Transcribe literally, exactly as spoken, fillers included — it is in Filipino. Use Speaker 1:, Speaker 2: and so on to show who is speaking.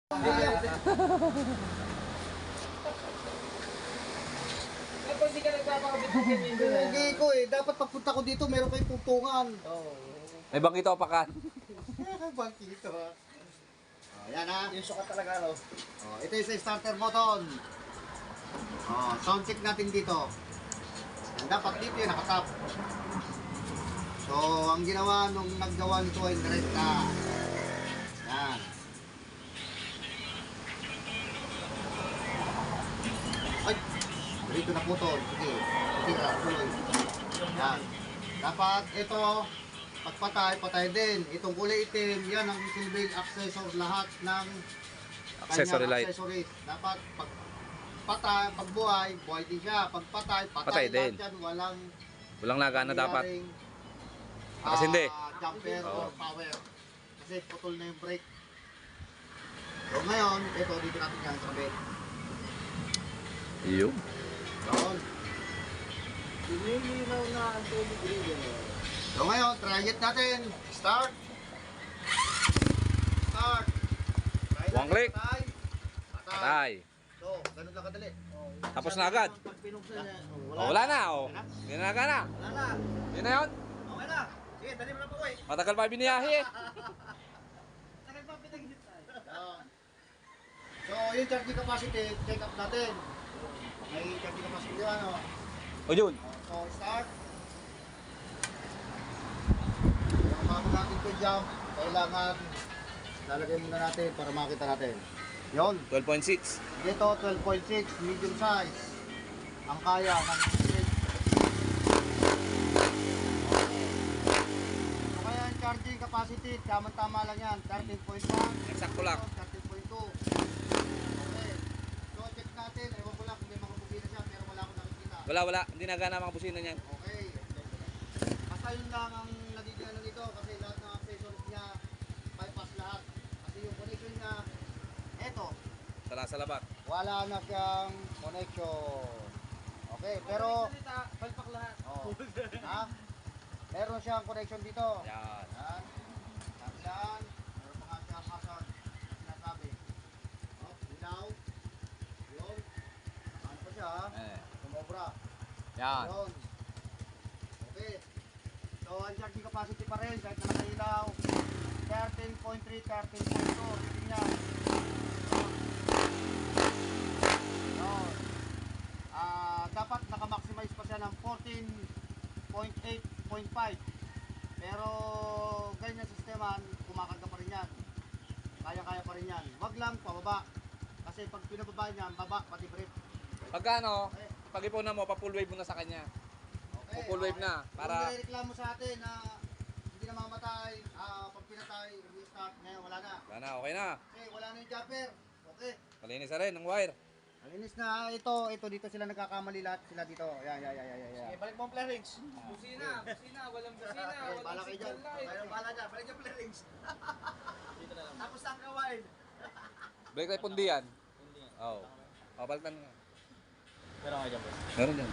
Speaker 1: Tapos hindi ka nagpapakabit ng ganyan.
Speaker 2: Hindi ko eh. Dapat pagpunta ko dito, meron kayong pugtungan.
Speaker 1: Oo.
Speaker 3: May bangkito apakan.
Speaker 2: Bangkito ha. Oh, yan ha.
Speaker 1: Yung sukat talaga, no?
Speaker 2: Oh, ito yung sa starter button. Oh, sound check natin dito. And dapat dito yung nakatap. So, ang ginawa nung naggawa nito ay direkta. Yan. Ay! Dito na putol. Sige. Tira. Tuloy. Yan. Dapat ito, pagpatay, patay din. Itong kulay itim, yan ang silbing accessor lahat ng
Speaker 3: Accessory
Speaker 2: kanyang
Speaker 3: light.
Speaker 2: accessories. Dapat pag patay, pag buhay, buhay din siya. Pag patay, patay,
Speaker 3: Patay din.
Speaker 2: lahat yan. Walang
Speaker 3: Walang nagana dapat.
Speaker 2: nangyaring,
Speaker 3: Nakasindi.
Speaker 2: ah, jumper
Speaker 3: Oo.
Speaker 2: or power. Kasi putol na yung brake. So ngayon, ito dito natin yan sa bed.
Speaker 3: Iyo.
Speaker 2: Doon.
Speaker 1: Lumilinaw na ang tubig rin.
Speaker 2: So ngayon, try it natin. Start. Start. Try
Speaker 3: One
Speaker 2: natin,
Speaker 3: click.
Speaker 2: Patay. Patay.
Speaker 3: Patay.
Speaker 2: So, ganun lang kadali.
Speaker 3: Tapos na agad.
Speaker 1: Pag pinuksan na,
Speaker 3: Oh, wala na oh. Hindi na nagana.
Speaker 2: Wala na.
Speaker 3: Yun na yun.
Speaker 2: Okay na. Sige, dali mo na po eh.
Speaker 3: Matagal pa biniyahe eh.
Speaker 1: Sakit pa pinagit tayo.
Speaker 2: Yan. So, yung charging capacity, check up natin. May charging capacity ano.
Speaker 3: O yun.
Speaker 2: So, start. Kung bago natin ito jump, kailangan lalagay muna natin para makita natin. Yon.
Speaker 3: twelve point six.
Speaker 2: Dito, twelve point six, medium size. Ang kaya ng street. So, kaya yung charging capacity, tama-tama lang yan. thirteen point one.
Speaker 3: Eksakto lang.
Speaker 2: thirteen point two. Okay. So, check natin. Ewan ko lang kung may mga bubina siya, pero wala akong nakikita.
Speaker 3: Wala, wala. Hindi nagana mga busina niyan.
Speaker 2: Okay. Basta yun lang ang nagiging ano nito kasi lahat ng accessories niya bypass lahat. Kasi yung connection niya, eto,
Speaker 3: Sala sa labat.
Speaker 2: wala na siyang connection. Okay, pero
Speaker 1: Salita, palpak lahat.
Speaker 2: oh, ha? Meron siyang connection dito.
Speaker 3: Yan.
Speaker 2: Yan. Tapos yan. Meron pa nga siyang hazard. Sinasabi. Oh, ilaw. Yun. Ano pa siya ha?
Speaker 3: Eh.
Speaker 2: Sumobra.
Speaker 3: Yan.
Speaker 2: Yun. Okay. So, ang charging capacity pa rin kahit na nakailaw. thirteen point three, thirteen point two. Reading niya. Yun. Ah, dapat naka-maximize pa siya ng fourteen point eight point five. Pero ganyan sa sistema, kumakarga pa rin yan. Kaya-kaya pa rin yan. Wag lang pababa. Kasi pag pinababa niya, baba pati brief.
Speaker 3: Pagka ano, pag-ipunan mo, pa-full wave mo na sa kanya.
Speaker 2: Okay,
Speaker 3: Full wave na, para-
Speaker 2: Kung nireklamo sa atin na hindi na mamatay, ah, pag pinatay, restart, ngayon wala na.
Speaker 3: Wala na, okay na.
Speaker 2: Okay, wala na yung jumper. Okay.
Speaker 3: Malinis na rin ang wire.
Speaker 2: Malinis na ito, ito dito sila nagkakamali lahat sila dito. Yan, yan, yan, yan, yan.
Speaker 1: Okay, balik mo ang flarings. Busina, busina, walang busina,
Speaker 2: Okay, bala
Speaker 1: walang
Speaker 2: kayo dyan.
Speaker 1: signal light.
Speaker 2: Kayo bala dyan, balik yung flarings.
Speaker 1: Dito na lang.
Speaker 2: Tapos ang kawain.
Speaker 3: Break tayo pundi yan. Oo. Oh. Papalitan mo.
Speaker 1: Pero nga dyan, boss.
Speaker 3: Meron yan.